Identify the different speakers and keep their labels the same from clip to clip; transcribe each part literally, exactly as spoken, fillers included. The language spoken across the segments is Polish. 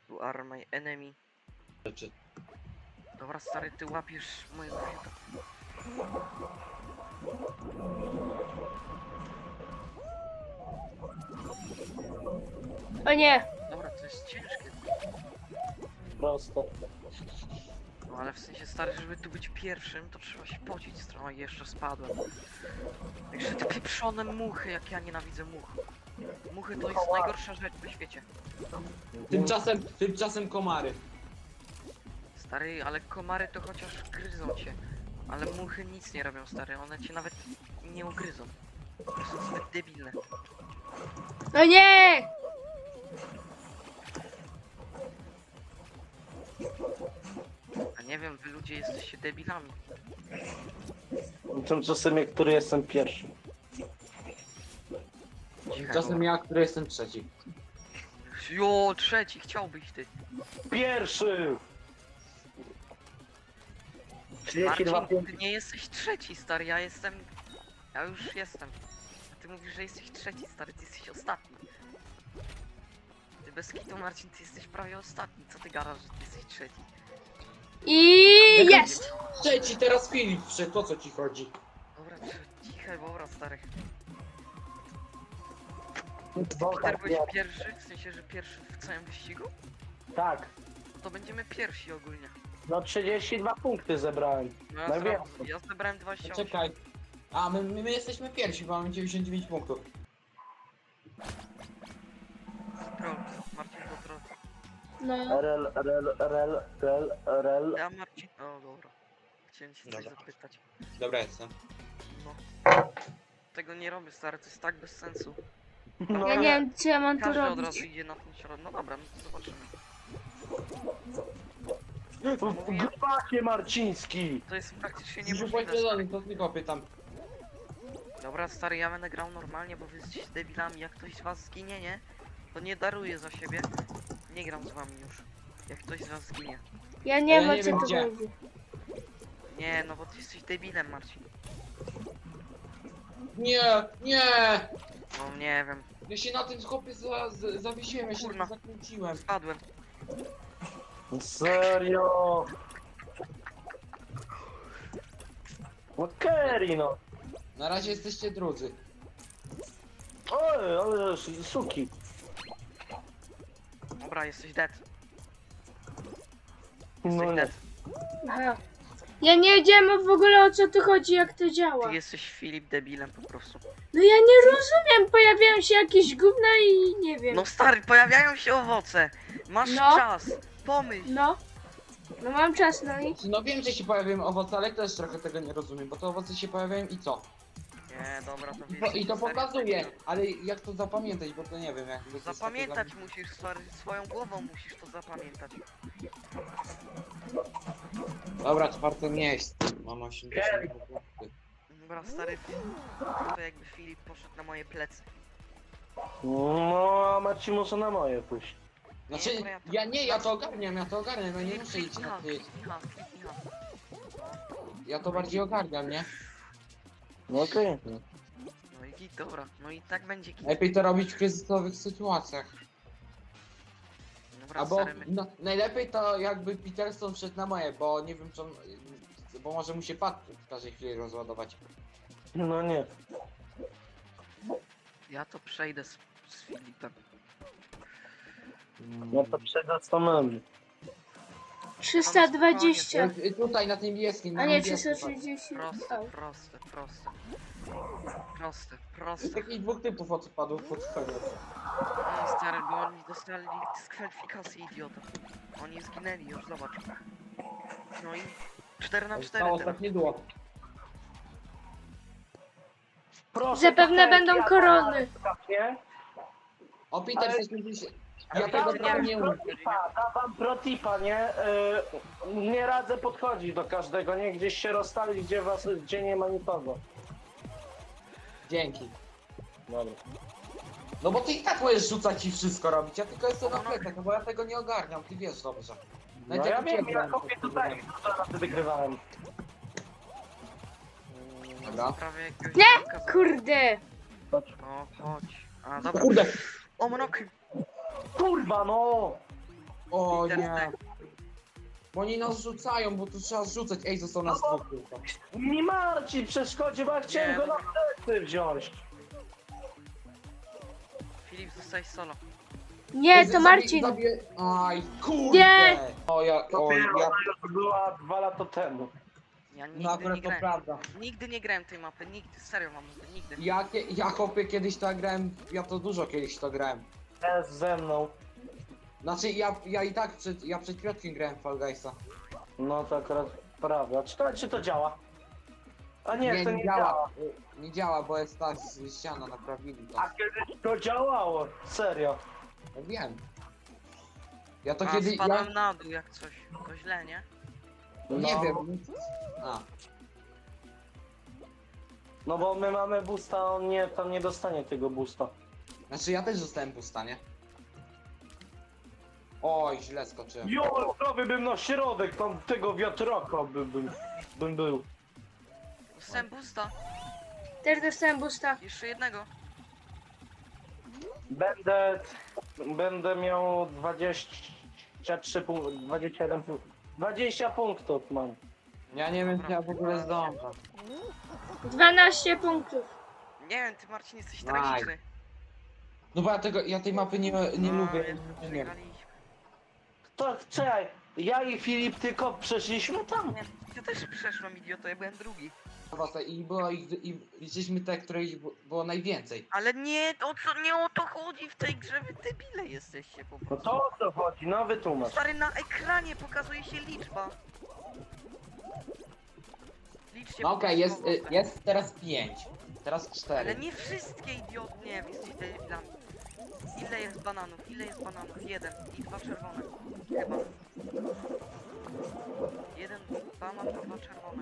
Speaker 1: You are my enemy.
Speaker 2: Rzeczy.
Speaker 1: Dobra, stary, ty łapiesz mojego fiuta.
Speaker 3: O nie!
Speaker 1: Dobra, to jest ciężkie.
Speaker 4: Prosto.
Speaker 1: No ale w sensie, stary, żeby tu być pierwszym, to trzeba się pocić trochę i jeszcze spadłem. Jeszcze te pieprzone muchy, jak ja nienawidzę much. Muchy to jest najgorsza rzecz na świecie.
Speaker 2: Tymczasem, tymczasem komary.
Speaker 1: Stary, ale komary to chociaż gryzą cię. Ale muchy nic nie robią, stary, one cię nawet nie ugryzą. To są zbyt debilne.
Speaker 3: O nie!
Speaker 1: A nie wiem, wy ludzie jesteście debilami.
Speaker 4: Tymczasem jak który jestem pierwszy.
Speaker 1: Cichaj,
Speaker 2: Tymczasem ja, który jestem trzeci.
Speaker 1: Jo, trzeci, chciałbyś ty.
Speaker 4: Pierwszy! trzydzieści dwa
Speaker 1: Marcin, ty
Speaker 4: punkty.
Speaker 1: nie jesteś trzeci, stary, ja jestem... Ja już jestem. A ty mówisz, że jesteś trzeci, stary, ty jesteś ostatni. Ty bez kitu, Marcin, ty jesteś prawie ostatni. Co ty gadasz, że ty jesteś trzeci?
Speaker 3: I jest!
Speaker 2: Trzeci, teraz Filip wszedł, o co ci chodzi?
Speaker 1: Dobra, tr- cichaj, dobra, stary.
Speaker 4: Dwa,
Speaker 1: Peter,
Speaker 4: tak,
Speaker 1: byłeś
Speaker 4: ja-
Speaker 1: pierwszy? W sensie, że pierwszy w całym wyścigu?
Speaker 4: tak.
Speaker 1: To będziemy pierwsi ogólnie.
Speaker 4: No trzydzieści dwa punkty zebrałem.
Speaker 1: No ja,
Speaker 4: Najwięcej.
Speaker 1: zra- ja zebrałem dwadzieścia osiem.
Speaker 2: Czekaj. A, my, my, my jesteśmy pierwsi, bo mamy dziewięćdziesiąt dziewięć punktów.
Speaker 1: Troll, Marcin to troll.
Speaker 3: No.
Speaker 4: Rel, rel, rel, rel, rel.
Speaker 1: Ja Marcin... O, dobra. Chciałem się coś
Speaker 2: Dobra.
Speaker 1: zapytać.
Speaker 2: Dobra, jestem.
Speaker 1: No. Tego nie robię, stary, to jest tak bez sensu.
Speaker 4: No
Speaker 3: Ja nie wiem, co ja mam tu
Speaker 1: Każdy od razu
Speaker 3: robić.
Speaker 1: idzie na ten środek. No dobra, no to zobaczymy.
Speaker 4: W grupacie Marciński.
Speaker 1: To jest praktycznie
Speaker 2: Nie
Speaker 1: niemożliwe.
Speaker 2: poświęcony, to tylko pytam.
Speaker 1: Dobra, stary, ja będę grał normalnie, bo wy jesteście debilami. Jak ktoś z was zginie, nie? To nie daruję za siebie. Nie gram z wami już. Jak ktoś z was zginie.
Speaker 3: Ja nie
Speaker 2: Ja
Speaker 3: wiem, o
Speaker 2: nie
Speaker 3: co
Speaker 2: wiem,
Speaker 3: tu
Speaker 2: gdzie.
Speaker 3: chodzi.
Speaker 1: Nie, no bo ty jesteś debilem, Marcin.
Speaker 2: Nie, nie!
Speaker 1: No nie wiem.
Speaker 2: Ja się na tym chłopie za, za, zawiesiłem, ja się
Speaker 1: Kurna.
Speaker 2: zakręciłem.
Speaker 1: Spadłem.
Speaker 4: Serio. No Kerry, no.
Speaker 2: Na razie jesteście drudzy.
Speaker 4: Oj, ale suki.
Speaker 1: Dobra, jesteś dead.
Speaker 4: No
Speaker 1: Jesteś
Speaker 4: nie.
Speaker 1: dead.
Speaker 3: Aha. Ja nie wiedziałem w ogóle, o co tu chodzi, jak to działa.
Speaker 1: Ty jesteś Filip debilem po prostu.
Speaker 3: No ja nie rozumiem, pojawiają się jakieś gówna i nie wiem.
Speaker 1: No stary, pojawiają się owoce. Masz
Speaker 3: No.
Speaker 1: czas. Pomyśl.
Speaker 3: No. No mam czas, no i...
Speaker 2: No wiem, że się pojawiają owoce, ale też trochę tego nie rozumiem, bo te owoce się pojawiają i co?
Speaker 1: Nie, dobra, to
Speaker 2: I to,
Speaker 1: wiesz.
Speaker 2: i to
Speaker 1: stary,
Speaker 2: pokazuje, ale jak to zapamiętać, bo to nie wiem, jak... to jest
Speaker 1: Zapamiętać
Speaker 2: takie
Speaker 1: musisz, stary, swoją głową musisz to zapamiętać.
Speaker 2: dla- Dobra, czwarte miejsce. Mam osiemdziesiąt punkty.
Speaker 1: Dobra, stary, to jakby Filip poszedł na moje plecy.
Speaker 4: No, a Marcin może na moje pójść.
Speaker 2: Znaczy,
Speaker 1: dobra, ja to-
Speaker 2: ja nie, ja to ogarniam, ja to ogarniam, ja nie muszę iść na ty.
Speaker 1: Kliknij H, kliknij H.
Speaker 2: Ja to bardziej ogarniam, nie?
Speaker 4: No okej.
Speaker 1: No i git, dobra, no i tak będzie git.
Speaker 2: Lepiej to robić w kryzysowych sytuacjach.
Speaker 1: Dobra,
Speaker 2: Albo
Speaker 1: stary, my...
Speaker 2: no, najlepiej to jakby Peterson wszedł na moje, bo nie wiem czy on, bo może mu się pad w każdej chwili rozładować.
Speaker 4: No nie.
Speaker 1: ja to przejdę z, z Filipem.
Speaker 4: No to przed samym.
Speaker 3: trzysta dwadzieścia.
Speaker 2: Jak, y, tutaj na tym niebieskim, na
Speaker 3: A nie,
Speaker 2: niebieskim,
Speaker 3: trzysta sześćdziesiąt.
Speaker 1: Proste,
Speaker 3: O.
Speaker 1: proste, proste. Proste,
Speaker 2: patrz.
Speaker 1: proste.
Speaker 2: Jest takich dwóch typów odpadów pod koniec.
Speaker 1: No stary, bo oni dostali dyskwalifikację, idiota. Oni zginęli już, zobacz. No i cztery na cztery
Speaker 2: Zostało
Speaker 1: teraz.
Speaker 2: ostatnie duo.
Speaker 4: Proszę,
Speaker 3: Zapewne
Speaker 4: tak,
Speaker 3: będą
Speaker 4: ja
Speaker 3: korony.
Speaker 4: Nie?
Speaker 2: O Peter,
Speaker 4: Ale-
Speaker 2: jesteśmy dziś...
Speaker 4: Ja
Speaker 2: Ja tego
Speaker 4: dam
Speaker 1: nie
Speaker 2: tam
Speaker 4: wam
Speaker 2: nie
Speaker 1: wiem.
Speaker 2: umiem.
Speaker 4: protipa, dam wam protipa, nie? Yy, nie radzę podchodzić do każdego, nie? Gdzieś się rozstali, gdzie was, gdzie nie ma nikogo.
Speaker 2: Dzięki.
Speaker 4: Dobra.
Speaker 2: No bo ty i tak możesz rzucać i wszystko robić, ja tylko jestem na plecach, no bo ja tego nie ogarniam, ty wiesz dobrze.
Speaker 4: No
Speaker 2: Nawet
Speaker 4: ja
Speaker 2: jak
Speaker 4: wiem,
Speaker 2: uciekłem,
Speaker 4: ja
Speaker 2: to
Speaker 4: kopię
Speaker 2: to
Speaker 4: tutaj,
Speaker 2: wiem.
Speaker 4: co wtedy wygrywałem.
Speaker 2: Dobra.
Speaker 1: Prawie jakiegoś
Speaker 3: Nie!
Speaker 1: zamka-
Speaker 3: Kurde.
Speaker 1: O, chodź. A, dobra.
Speaker 2: Kurde!
Speaker 1: O, monokry.
Speaker 4: Kurwa, no!
Speaker 2: O
Speaker 1: Peter
Speaker 2: nie.
Speaker 1: Stek.
Speaker 2: Bo oni nas rzucają, bo tu trzeba rzucać. Ej, został nas
Speaker 4: No bo-
Speaker 2: dwóch tylko.
Speaker 4: Mi Marcin przeszkodzi, bo ja chciałem
Speaker 1: Nie,
Speaker 4: go na
Speaker 1: dobra.
Speaker 4: plecy wziąć.
Speaker 1: Filip, zostaj solo.
Speaker 3: Nie,
Speaker 2: Ej,
Speaker 3: to
Speaker 2: zabi-
Speaker 3: Marcin.
Speaker 2: Zabiję... Aj, kurde.
Speaker 3: Nie.
Speaker 2: O ja, o
Speaker 4: Dopiero
Speaker 2: ja...
Speaker 4: ona już była dwa lata temu.
Speaker 1: Ja nigdy
Speaker 2: No akurat
Speaker 1: nie
Speaker 2: to
Speaker 1: grałem.
Speaker 2: prawda.
Speaker 1: Nigdy nie grałem tej mapy, nigdy, serio mam mówię, nigdy.
Speaker 2: Ja, kie- ja chłopie kiedyś to grałem, ja to dużo kiedyś to grałem.
Speaker 4: Jest ze mną.
Speaker 2: Znaczy ja, ja i tak przed, ja przed Piotrkiem grałem w Fall Guysa.
Speaker 4: No to akurat prawda. Czy to, czy to działa? A nie,
Speaker 2: nie,
Speaker 4: to
Speaker 2: nie
Speaker 4: nie
Speaker 2: działa.
Speaker 4: działa.
Speaker 2: Nie działa, bo jest ta z- ściana, naprawili to.
Speaker 4: A kiedyś to działało. Serio.
Speaker 2: Ja wiem. Ja to
Speaker 1: A,
Speaker 2: kiedy... Ja,
Speaker 1: spadłem na dół jak coś. To źle, nie?
Speaker 2: nie
Speaker 4: No.
Speaker 2: wiem. A,
Speaker 4: No bo my mamy boosta, a on nie, tam nie dostanie tego boosta.
Speaker 2: znaczy ja też zostałem pusta, nie? Oj, źle skoczyłem.
Speaker 4: Jo, prawie bym na środek tam tego wiatraka by, bym, bym był.
Speaker 1: Dostałem boosta,
Speaker 3: Też dostałem boosta.
Speaker 1: jeszcze jednego.
Speaker 4: Będę, będę miał dwadzieścia trzy punktów, dwadzieścia jeden punktów. dwadzieścia punktów mam.
Speaker 2: Ja nie wiem, czy ja w ogóle zdążę.
Speaker 3: dwanaście punktów.
Speaker 1: Nie wiem, ty Marcin jesteś
Speaker 2: Aj.
Speaker 1: tragiczny.
Speaker 2: No bo ja tego, ja tej mapy nie, nie
Speaker 1: No,
Speaker 2: lubię,
Speaker 1: jest,
Speaker 2: nie wiem.
Speaker 1: przegraliśmy.
Speaker 4: To czekaj, ja i Filip tylko przeszliśmy tam.
Speaker 1: Nie, ja też przeszłem idioto, ja byłem drugi.
Speaker 2: I było ich, i liczyliśmy te, które ich bu- było najwięcej.
Speaker 1: Ale nie, o co, nie o to chodzi w tej grze, wy debile jesteście po
Speaker 4: No
Speaker 1: prostu.
Speaker 4: to o co chodzi? No wytłumacz.
Speaker 1: Stary, na ekranie pokazuje się liczba. Liczcie
Speaker 2: No
Speaker 1: po
Speaker 2: okej,
Speaker 1: prostu
Speaker 2: jest, y,
Speaker 1: owoce.
Speaker 2: jest teraz pięć. Teraz
Speaker 1: Ale
Speaker 2: cztery.
Speaker 1: nie wszystkie idiot, nie, wy jesteście debilami. Ile jest bananów? Ile jest bananów? Jeden i dwa czerwone. Chyba. Jeden banan, to dwa czerwone.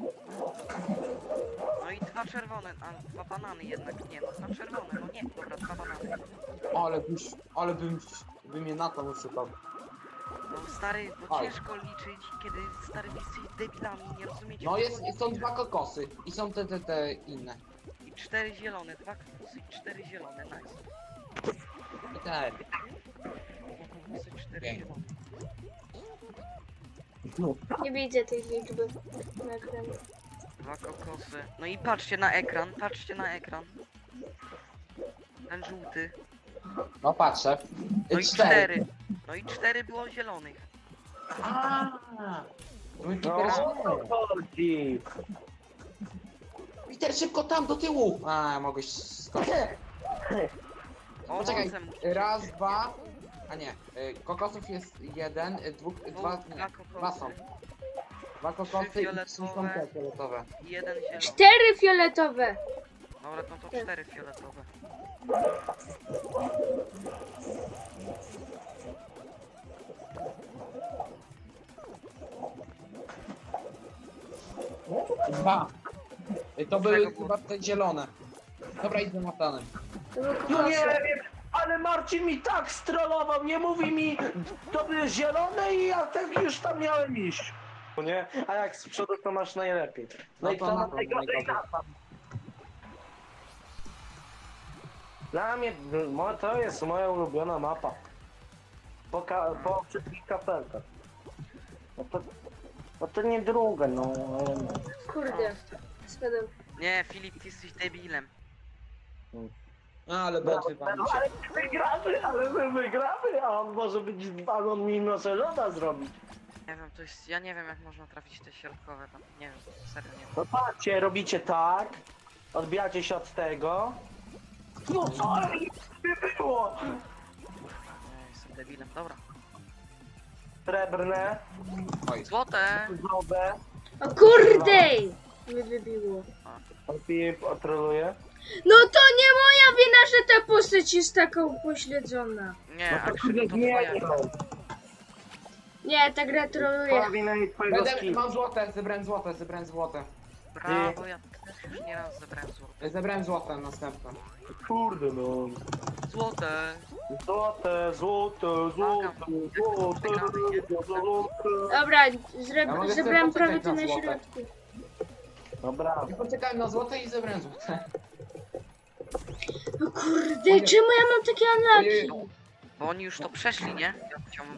Speaker 1: No i dwa czerwone, a dwa banany jednak, nie no, dwa czerwone, no nie, dobra, dwa banany.
Speaker 2: Ale byś, ale bym, bym mnie na to uszukał.
Speaker 1: No stary, bo
Speaker 2: Oj.
Speaker 1: ciężko liczyć, kiedy stary wy jesteście debilami, nie rozumiecie.
Speaker 2: No
Speaker 1: co
Speaker 2: jest,
Speaker 1: chodzi.
Speaker 2: są dwa kokosy i są te, te, te inne.
Speaker 1: I cztery zielone, dwa kokosy i cztery zielone, nice.
Speaker 2: I te.
Speaker 1: Dwa kokosy, cztery
Speaker 2: Pięknie.
Speaker 1: zielone.
Speaker 3: Nie widzę tej liczby na ekranie.
Speaker 1: Dwa kokosy. No i patrzcie na ekran, patrzcie na ekran. Ten żółty.
Speaker 2: No patrzę.
Speaker 1: No i cztery. No i cztery było zielonych.
Speaker 2: A. No i
Speaker 4: No
Speaker 2: Peter,
Speaker 4: o co chodzi?
Speaker 2: Peter, szybko tam do tyłu! A, mogłeś skoczyć.
Speaker 1: O,
Speaker 2: Poczekaj,
Speaker 1: owocem musicie
Speaker 2: raz,
Speaker 1: być.
Speaker 2: dwa. A nie, y, kokosów jest jeden, y, dwóch, y, dwa,
Speaker 1: Dwóch,
Speaker 2: nie,
Speaker 1: dwa
Speaker 2: dwa są.
Speaker 1: kokosy
Speaker 2: Dwa kokosy i trzy są
Speaker 1: fioletowe.
Speaker 2: te fioletowe.
Speaker 1: i jeden zielony.
Speaker 3: Cztery fioletowe.
Speaker 1: Dobra, no to cztery fioletowe.
Speaker 2: Dwa. Y, To były
Speaker 1: Czego było?
Speaker 2: chyba te zielone. Dobra, idę na planem.
Speaker 3: To były
Speaker 4: No nie
Speaker 3: kokosy.
Speaker 4: wiem, ale Marcin mi tak strollował, nie mówi mi, to były zielone i ja tak już tam miałem iść. No nie? A jak z przodu to masz najlepiej. No,
Speaker 2: No
Speaker 4: i
Speaker 2: to
Speaker 4: to
Speaker 2: na
Speaker 4: na
Speaker 2: to
Speaker 4: najgorzej
Speaker 2: najgorzej.
Speaker 4: na tam. Dla mnie, mo- to jest moja ulubiona mapa. Po, ka- po wszystkich kafelkach. No to, no to nie druga, no ale no.
Speaker 3: Kurde. Spadłem.
Speaker 1: Nie, Filip, ty jesteś debilem.
Speaker 2: A, ale bot chyba mi się.
Speaker 4: Ale my wygramy, ale my wygramy, a on może być, a on mi noce loda zrobić.
Speaker 1: Nie wiem, to jest, ja nie wiem jak można trafić te środkowe tam, nie wiem, serio nie wiem.
Speaker 4: No patrzcie, robicie tak, odbijacie się od tego. No co by było?
Speaker 1: Ja jestem debilem, dobra.
Speaker 4: Srebrne,
Speaker 2: Oj,
Speaker 1: Złote!
Speaker 4: żołde,
Speaker 3: O kurde! Mnie wybiło.
Speaker 4: Filip otroluje.
Speaker 3: No to nie moja wina, że ta postać jest taka upośledzona.
Speaker 1: Nie,
Speaker 4: No
Speaker 1: a
Speaker 4: to
Speaker 1: Krzyku
Speaker 4: kurde
Speaker 1: to
Speaker 4: nie,
Speaker 1: twoja.
Speaker 3: Nie, ta gra troluje.
Speaker 4: twoja wina i twojego
Speaker 2: Będę,
Speaker 4: skina.
Speaker 2: mam złote, zebrałem złote, zebrałem złote.
Speaker 1: Brawo, ja też już nieraz zebrałem złote.
Speaker 2: Zebrałem złote następne.
Speaker 4: Kurde no.
Speaker 1: Złote!
Speaker 4: Złote, złote, złote, złote, złote.
Speaker 3: Dobra,
Speaker 2: Ja
Speaker 3: zre-
Speaker 2: mogę
Speaker 3: zebrałem
Speaker 2: sobie
Speaker 3: prawie to
Speaker 2: poczekać
Speaker 3: na
Speaker 2: na złote.
Speaker 3: środku.
Speaker 4: Dobra.
Speaker 2: I poczekałem na złote i zebrałem złote.
Speaker 3: O kurde, czemu ja mam takie unlucky?
Speaker 2: Ojej.
Speaker 1: Bo oni już to przeszli, nie? Ja chciałbym